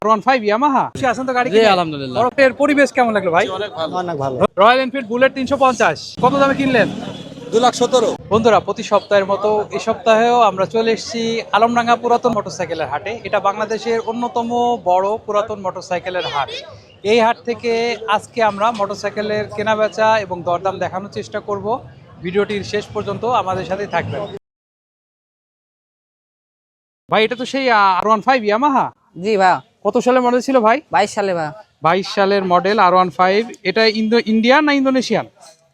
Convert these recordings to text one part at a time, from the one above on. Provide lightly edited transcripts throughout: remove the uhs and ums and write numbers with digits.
R15 Yamaha খুশি আছেন তো গাড়ি কিনে? আলহামদুলিল্লাহ। বরফের পরিবেশ কেমন লাগলো ভাই? অনেক ভালো। রয়্যাল এনফিল্ড বুলেট 350 কত দামে কিনলেন? 2,17,000। বন্ধুরা, প্রতি সপ্তাহের মতো এই সপ্তাহেও আমরা চলে এসেছি আলমডাঙ্গা পুরাতন মোটরসাইকেলের হাটে। এটা বাংলাদেশের অন্যতম বড় পুরাতন মোটরসাইকেলের হাট। এই হাট থেকে আজকে আমরা মোটরসাইকেলের কেনাবেচা এবং দরদাম দেখানোর চেষ্টা করব। ভিডিওটির শেষ পর্যন্ত আমাদের সাথে থাকবেন। ভাই, এটা তো সেই R15 ইয়ামাহা। জি ভাই, কত সালের মডেল ছিল ভাই? 22 সালে ভাই। 22 সালের মডেল R15। এটা ইন্ডিয়ান না ইন্দোনেশিয়ান?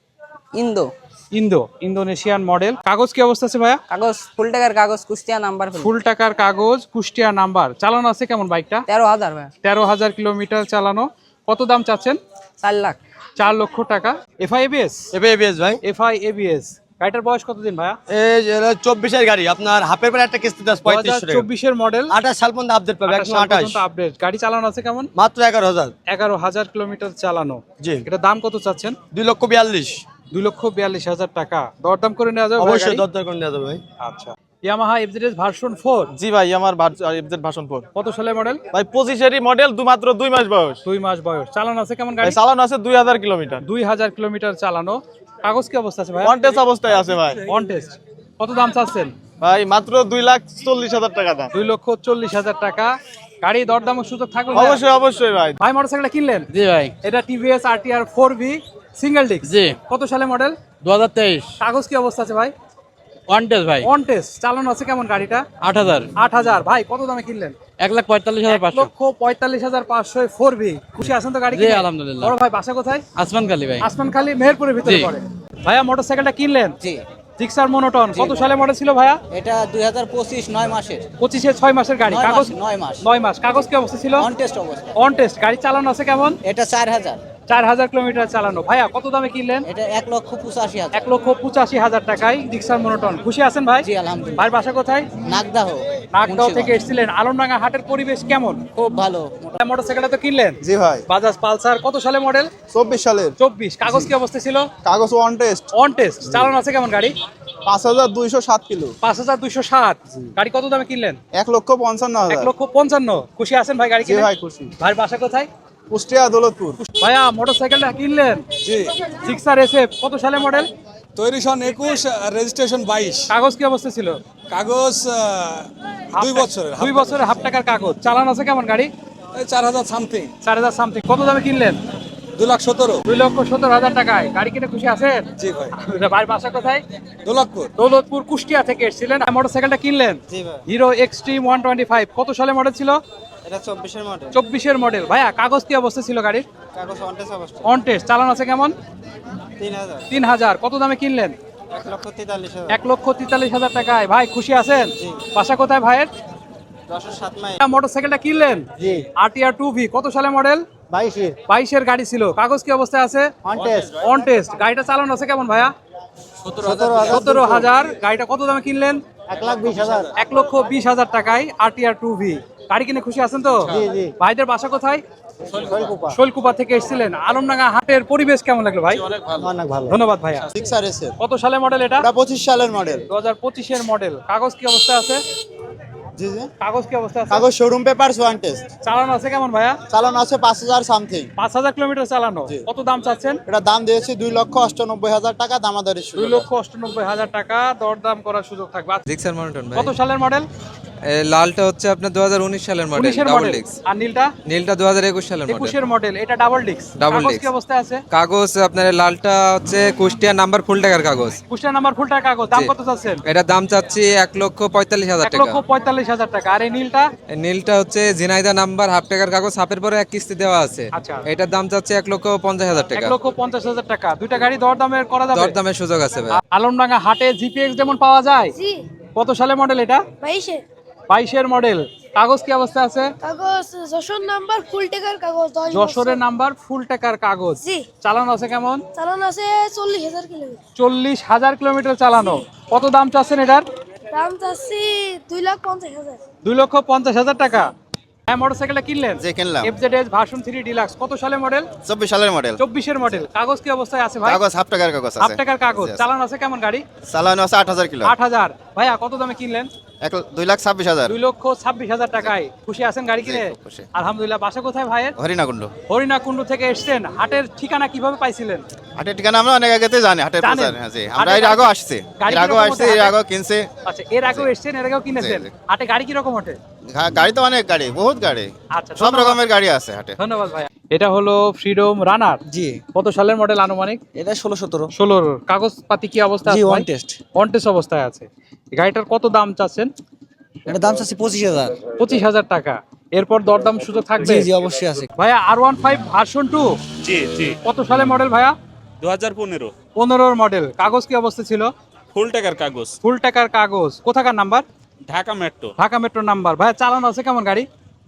Indonesian model. কাগজ কি অবস্থা আছে ভাইয়া? কাগজ ফুল টাকার কাগজ, কুষ্টিয়া নাম্বার। ফুল টাকার কাগজ, কুষ্টিয়া নাম্বার। চালানো আছে কেমন বাইকটা? 13,000 ভাই। 13,000 কিলোমিটার চালানো। কত দাম চাচ্ছেন? 4 লাখ। 4 লক্ষ টাকা। FI ABS? এবিএস ভাই। FI ABS. গাড়িটার বয়স কতদিন ভাইয়া? এই 24 এর গাড়ি, আপনার হাফের পরে একটা কিস্তি 3500 টাকা। 2024 এর মডেল। 28 সাল পর্যন্ত আপডেট পাবে, 128 আপডেট। গাড়ি চালানো আছে কেমন? মাত্র 11,000। 11,000 কিলোমিটার চালানো। জি। এটা দাম কত চাচ্ছেন? 2,42,000। 2,42,000 টাকা। দরদাম করে নেওয়া যাবে? অবশ্যই দরদার করে নেওয়া যাবে ভাই। আচ্ছা। Yamaha FZ version 4। জি ভাই, আমার এফজেড ভার্সন 4 কত সালের মডেল? ভাই 25 এরই মডেল, মাত্র 2 মাস বয়স। 2 মাস বয়স। চালানো আছে কেমন ভাই গাড়ি? চালানো আছে 2000 কিলোমিটার। 2000 কিলোমিটার চালানো। কাগজ কি অবস্থা আছে ভাই? অন টেস্ট অবস্থায় আছে ভাই। On test. কত দাম চাচ্ছেন? ভাই মাত্র 2,40,000 টাকা দাম। 2,40,000 টাকা। গাড়ি দরদামের সুযোগ থাকবে? অবশ্যই অবশ্যই ভাই। ভাই, মোটরসাইকেলটা কিনলেন? জি ভাই। এটা TVS RTR 4V single disc. জি। কত সালে মডেল? 2023। কাগজ কি অবস্থা আছে ভাই? অন টেস্ট ভাই। On test. চালানো আছে কেমন গাড়িটা? 8,000। 8,000। ভাই, কত দামে কিনলেন? 1,45,500। 1,45,500 4V। খুশি আছেন তো গাড়ি জি কিনে? আলহামদুলিল্লাহ। বড় ভাই বাসা কোথায়? আসমানখালী ভাই। আসমানখালী, মেহেরপুরের ভিতরে জি। পড়ে। ভাইয়া, মোটরসাইকেলটা কিনলেন? জি। Gixxer monotone. কত সালে মডেল ছিল ভাইয়া? এটা 2025 9 মাসের। 25-এ 6 মাসের গাড়ি। কাগজ 9 মাস। 9 মাস। কাগজ কি অবস্থা ছিল? অন টেস্ট অবস্থা। On test. গাড়ি চালানো আছে কেমন? এটা 4,000। 4,000 কিলোমিটার চালানো। ভাইয়া, কত দামে কিনলেন? এটা 1,85,000। 1,85,000 টাকায় জিক্সার মনোটন। খুশি আছেন ভাই? জি আলহামদুলিল্লাহ। ভাই বাসা কোথায়? নাগদাহ। নাগদাও থেকে এসেছিলেন। আলমডাঙ্গা হাটের পরিবেশ কেমন? খুব ভালো। মোটরসাইকেলটা তো কিনলেন? জি ভাই। বাজাজ পালসার। কত সালে মডেল? 24 সালের। 24। কাগজ কি অবস্থা ছিল? কাগজ অন টেস্ট। On test. চালানো আছে কেমন গাড়ি? 5,207 কিলো। 5,207। গাড়ি কত দামে কিনলেন? 1,55,000। 1,55,000। খুশি আছেন ভাই গাড়ি জি কিনে? ভাই, খুশি। ভাই বাসা কোথায়? কুষ্টিয়া দৌলতপুর। ভাইয়া, মোটরসাইকেলটা কিনলেন? জি। Gixxer SF। কত সালে মডেল? তৈরি সন 21, রেজিস্ট্রেশন 22। কাগজ কি অবস্থা ছিল? কাগজ 2 বছরের। 2 বছরের হাফ টাকার কাগজ। চালানো আছে কেমন গাড়ি? 4,000 সামথিং। 4,000 সামথিং। কত দামে কিনলেন? 2,17,000। 2,17,000 টাকায়। গাড়ি কিনে খুশি আছেন? জি ভাই। ভাই বাসা কোথায়? দৌলতপুর। দৌলতপুর, কুষ্টিয়া থেকে এসেছিলেন। মোটরসাইকেলটা কিনলেন? জি ভাই। হিরো এক্সট্রিম 125। কত সালে মডেল ছিল? এটা 24 এর মডেল। 24-এর মডেল। ভাইয়া, কাগজ কি অবস্থা ছিল গাড়ির? কাগজ অন টেস্ট অবস্থা। On test. চালানো আছে কেমন? 3,000। 3,000। কত দামে কিনলেন? 1,43,000। 1,43,000 টাকায়। ভাই খুশি আছেন? বাসা কোথায় ভাইয়ের? 10-7 মাইল। মোটরসাইকেলটা কিনলেন? জি। RTR 2V। কত সালে মডেল? 22 22-এর গাড়ি ছিল। কাগজ কি অবস্থায় আছে? On test. On test. গাড়িটা চালানো আছে কেমন ভাইয়া? 17,000। গাড়িটা কত দামে কিনলেন? 1,20,000। 1,20,000 টাকায় RTR 2V। গাড়ি কিনে খুশি আছেন তো? জি, জি। ভাইদের বাসা কোথায়? শৈলকুপা। শৈলকুপা থেকে এসেছিলেন। আলমডাঙ্গা হাটের পরিবেশ কেমন লাগলো ভাই? অনেক ভালো। ধন্যবাদ ভাইয়া। Gixxer SF. কত সালে মডেল এটা? এটা 25 সালের মডেল। 2025-এর মডেল। কাগজ কি অবস্থা আছে? জি জি। কাগজ কি অবস্থা আছে? কাগজ শোরুম পেপারস ওয়ান টেস্ট। চালানো আছে কেমন ভাইয়া? চালানো আছে 5,000 সামথিং। 5,000 কিলোমিটার চালানো। জি। কত দাম চাচ্ছেন? এটা দাম দিয়েছি 2,98,000 টাকা, দামাদারি শুরু। 2,98,000 টাকা। দরদাম করার সুযোগ থাকবে। জিক্সার মনোটন ভাই। কত সালের মডেল? লালটা হচ্ছে আপনার 2019 সালের মডেল, 19-এর ডাবল মডেল। ডিস্ক। আর নীলটা? নীলটা 2021 সালের মডেল। 21-এর মডেল। এটা ডাবল ডিস্ক। ডাবল কাগজ ডিস্ক। কি অবস্থা আছে? কাগজ আপনার লালটা হচ্ছে কুষ্টিয়া নাম্বার ফুল টাকার কাগজ। কুষ্টিয়া নাম্বার ফুল টাকা কাগজ। দাম জি। কত চাচ্ছেন? এটার দাম চাচ্ছি 1,45,000 টাকা। 1,45,000 টাকা। আর এই নীলটা? নীলটা হচ্ছে ঝিনাইদা নাম্বার হাফ টাকার কাগজ, হাফের পরে এক কিস্তি দেওয়া আছে। আচ্ছা। এটার দাম চাচ্ছি 1,50,000 টাকা। 1,50,000 টাকা। দুইটা গাড়ি দরদামের করা যাবে? দরদামের সুযোগ আছে ভাই। আলমডাঙ্গা হাটে জিপিএক্স যেমন পাওয়া যায়। জি। কত সালে মডেল এটা? 22-এ। 22-এর মডেল। কাগজ কি অবস্থা আছে? কাগজ যশোর নাম্বার ফুল টাকার কাগজ 10 যশোরের নাম্বার ফুল টাকার কাগজ। জি। চালানো আছে কেমন? চালান আছে 40,000 কিলোমিটার। 40,000 কিলোমিটার চালানো। কত দাম চাচ্ছেন এটার? দাম চাচ্ছি 2,50,000। 2,50,000 টাকা। হ্যাঁ, মোটরসাইকেলটা কিনলেন? জি, কিনলাম। FZ version 3 deluxe. কত সালে মডেল? 24 সালের মডেল। 24-এর মডেল। কাগজ কি অবস্থায় আছে ভাই? কাগজ হাফ টাকার কাগজ হাফ আছে। টাকার কাগজ। Yes. চালানো আছে কেমন গাড়ি? চালানো আছে 8,000 কিলো। 8,000। ভাইয়া, কত দামে কিনলেন? 2,26,000 2,26,000 টাকায় খুশি আছেন গাড়ি কিনে? খুব খুশি। আলহামদুলিল্লাহ। বাসা কোথায় ভাইয়ের? হরিণাকুণ্ড। হরিণাকুণ্ডু থেকে এসেছেন। হাটের ঠিকানা কিভাবে পাইছিলেন? হাটের ঠিকানা আমরা অনেক আগেতে জানি, হাটের জানেন? প্রচার, হ্যাঁ জি। আমরা হাটের এর আগেও আসছে, গাড়ি এর আগেও কিরকম আসছে, ওঠে এর হাটে? আগেও কিনছে। আচ্ছা, এর আগেও এসেছেন, এর আগেও কিনেছেন। জি। হাটে গাড়ি কিরকম ওঠে? গাড়ি তো অনেক গাড়ি, বহুত গাড়ি, আচ্ছা, সব ধন্যবাদ। রকমের গাড়ি আছে হাটে। ধন্যবাদ ভাই। এটা হলো ফ্রিডম রানার। জি কত সালের মডেল আনুমানিক? এটা 16-17 16। কাগজপাতি কি অবস্থা জি আছে? One test. অন টেস্ট অবস্থায় আছে। গাড়িটার কত দাম চাচ্ছেন? এটা দাম চাচ্ছি 25,000। 25,000 টাকা। এরপর দরদাম সুযোগ থাকবে? জি জি অবশ্যই আছে। ভাইয়া R15 ভার্সন 2 জি জি কত সালের মডেল ভাইয়া? 2015 15 মডেল। কাগজ কি অবস্থা ছিল? ফুল টাকার কাগজ, ফুল টাকার কাগজ। কোথাকার number? Dhaka metro. Dhaka metro number. ভাইয়া চালানো আছে কেমন গাড়ি?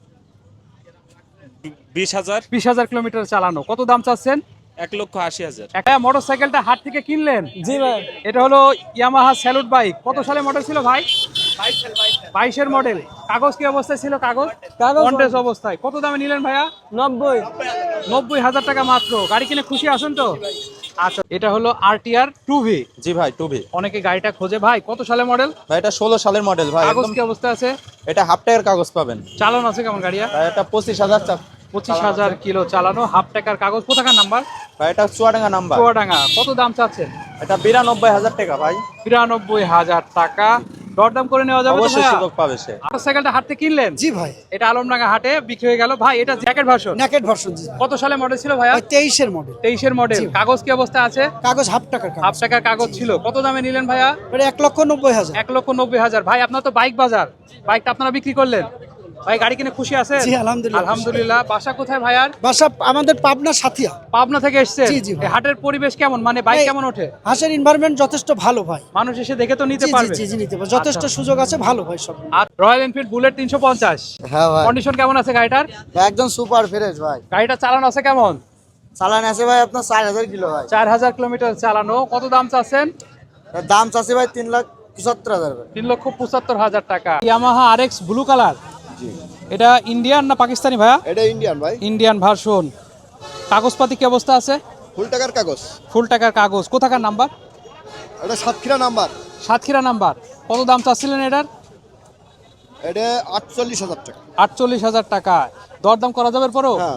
20,000, 20,000 কিলোমিটার চালানো। কত দাম চাচ্ছেন? 1,80,000। একটা মোটরসাইকেলটা হাট থেকে কিনলেন? জি ভাই। এটা হলো ইয়ামাহা স্যালুট বাইক। কত সালের মডেল ছিল ভাই? 22-এর মডেল। কাগজ কি অবস্থায় ছিল? কাগজ অন টেস্ট অবস্থায়। কত দামে নিলেন ভাইয়া? 90,000 টাকা মাত্র। গাড়ি কিনে খুশি আছেন তো? আচ্ছা, এটা হলো RTR 2V। জি ভাই, টুবি অনেকে গাড়িটা খোঁজে। ভাই কত সালের মডেল? ভাই, এটা 16 সালের মডেল ভাই। কাগজ একদম কি অবস্থা আছে? এটা হাফ টায়ার কাগজ পাবেন চালানো আছে কেমন গাড়িয়া? ভাই। এটা 25,000 25,000 কিলো চালানো, হাফ টাকার কাগজ। কোথাকার নাম্বার? ভাই, এটা চুয়াডাঙ্গা নাম্বার। চুয়াডাঙ্গা। কত দাম চাচ্ছেন? এটা 92,000 টাকা ভাই। 92,000 টাকা। দরদাম করে নেওয়া যাবে তো অবশ্যই ভাইয়া? সুযোগ পাবে সে। মোটরসাইকেলটা হাট থেকে কিনলেন? জি ভাই এটা আলমডাঙ্গা হাটে বিক্রি হয়ে গেল। ভাই এটা জ্যাকেট ভার্সন। Naked version. জি কত সালে মডেল ছিল ভাইয়া? 23-এর মডেল। 23-এর মডেল। কাগজ কি অবস্থা আছে? কাগজ হাফ টাকার হাফ কাগজ। টাকার কাগজ ছিল। কত দামে নিলেন ভাইয়া? এটা 1,90,000। 1,90,000। ভাই আপনার তো বাইক বাজার, বাইকটা আপনারা বিক্রি করলেন। ভাই গাড়ি কিনে খুশি আছেন? জি, আলহামদুলিল্লাহ। আলহামদুলিল্লাহ। বাসা কোথায় ভাইয়ার? বাসা আমাদের পাবনা সাথিয়া। পাবনা থেকে এসেছেন? জি, জি ভাই। এই হাটের পরিবেশ কেমন? মানে বাইক এই- কেমন ওঠে? হাঁসের এনভায়রনমেন্ট যথেষ্ট ভালো ভাই। মানুষ এসে দেখে তো নিতে জি জি পারবে? জি জি নিতে পারবে। যথেষ্ট আচ্ছা। সুযোগ আছে, ভালো ভাই সব। আর রয়্যাল এনফিল্ড বুলেট 350 হ্যাঁ ভাই, কন্ডিশন কেমন আছে গাড়িটার? একদম সুপার ফ্রেশ ভাই। গাড়িটা চালানো আছে কেমন? চালান আছে ভাই আপনার 4,000 কিলো ভাই। 4,000 কিলোমিটার চালানো। কত দাম চাচ্ছেন? দাম চাচ্ছে ভাই 3,75,000 ভাই। 3,75,000 টাকা। Yamaha RX blue colour. এটা ইন্ডিয়ান না পাকিস্তানি ভাইয়া? এটা ইন্ডিয়ান ভাই, ইন্ডিয়ান ভার্সন। কাগজপাতি কি অবস্থা আছে? ফুল টাকার কাগজ। ফুল টাকার কাগজ। কোথাকার নাম্বার? এটা সাতক্ষীরা নাম্বার। সাতক্ষীরা নাম্বার। কত দাম চাচ্ছিলেন এটার? এটা 48,000 টাকা। 48,000 টাকা। দরদাম করা যাবে পরও? হ্যাঁ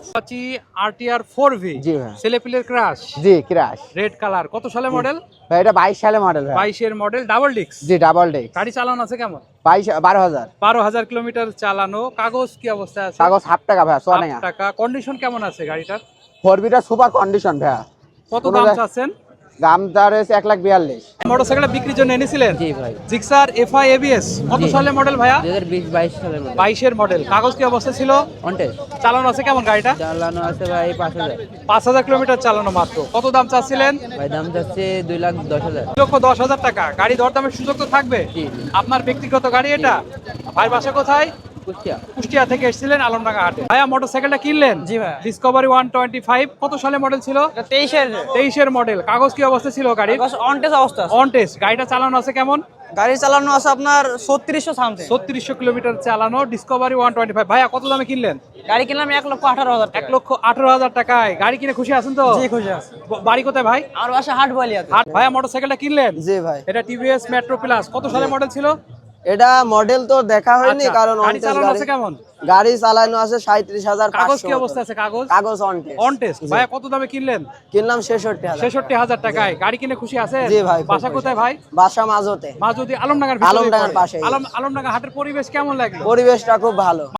RTR 4V। জি ভাই। ছেলেপিলের ক্রাশ। জি ক্রাশ রেড কালার। কত সালে মডেল? ভাই, এটা 22 সালে মডেল ভাই। 22-এর মডেল। Double disc. জি ডাবল ডেক্স। গাড়ি চালানো আছে কেমন? 12,000 12,000 কিলোমিটার চালানো। কাগজ কি অবস্থা আছে? কাগজ হাফ টাকা ভাই, সোয়া হাফ টাকা। কন্ডিশন কেমন আছে গাড়িটার? 4বিটা সুপার কন্ডিশন ভাই। কত কোনো দাম জায়গা- চাচ্ছেন? দাম তার 1,42,000। মোটরসাইকেলটা বিক্রির জন্য এনেছিলেন? জি ভাই। Gixxer FI ABS। কত সালের মডেল ভাইয়া? 2022 সালের মডেল। 22-এর মডেল। কাগজ কি অবস্থা ছিল? অনটেস চালানো আছে কেমন গাড়িটা? চালানো আছে ভাই 5,000। 5,000 কিলোমিটার চালানো মাত্র। কত দাম চাচ্ছিলেন? ভাই দাম যাচ্ছে 2,10,000। 2,10,000 টাকা। গাড়ি দরদামের সুযোগ তো থাকবে? জি। আপনার ব্যক্তিগত গাড়ি এটা? ভাই বাসা কোথায়? কুষ্টিয়া। কুষ্টিয়া থেকে এসেছিলেন আলমডাঙ্গা হাটে। ভাইয়া মোটরসাইকেলটা কিনলেন? জি ভাই। ডিসকভারি 125। কত সালে মডেল ছিল? 23-এর মডেল। কাগজ কি অবস্থা ছিল গাড়ির? অন টেস্ট অবস্থা। On test. গাড়িটা চালানো আছে কেমন? গাড়ি চালানো আছে আপনার 3600 সামথিং। 3600 কিলোমিটার চালানো। ডিসকভারি 125। ভাইয়া কত দামে কিনলেন? গাড়ি কিনলাম 1,18,000 টাকা। 1,18,000 টাকায়। গাড়ি কিনে খুশি আছেন তো? জি খুশি আছে। বাড়ি কোথায় ভাই? আমার বাসা হাট বলিয়াতে। হাট। ভাইয়া মোটরসাইকেলটা কিনলেন? জি ভাই। এটা TVS মেট্রো প্লাস। কত সালে মডেল ছিল? এটা মডেল তো দেখা হয়নি, আচ্ছা, কারণ গাড়ি চালানো আছে কেমন? গাড়ি চালানো আছে 37,500। কাগজ কি অবস্থা আছে? কাগজ কাগজ অন টেস্ট। On test. ভাইয়া কত দামে কিনলেন? কিনলাম 66,000। 66,000 টাকায়। গাড়ি কিনে খুশি আছেন? জি ভাই, খুব বাসা খুশি। কোথায় ভাই? বাসা মাঝতে। মা যদি আলমডাঙ্গার ভিতরে আলমডাঙ্গার পড়ে। পাশেই। আলমডাঙ্গা হাটের পরিবেশ কেমন লাগলো? পরিবেশটা খুব ভালো।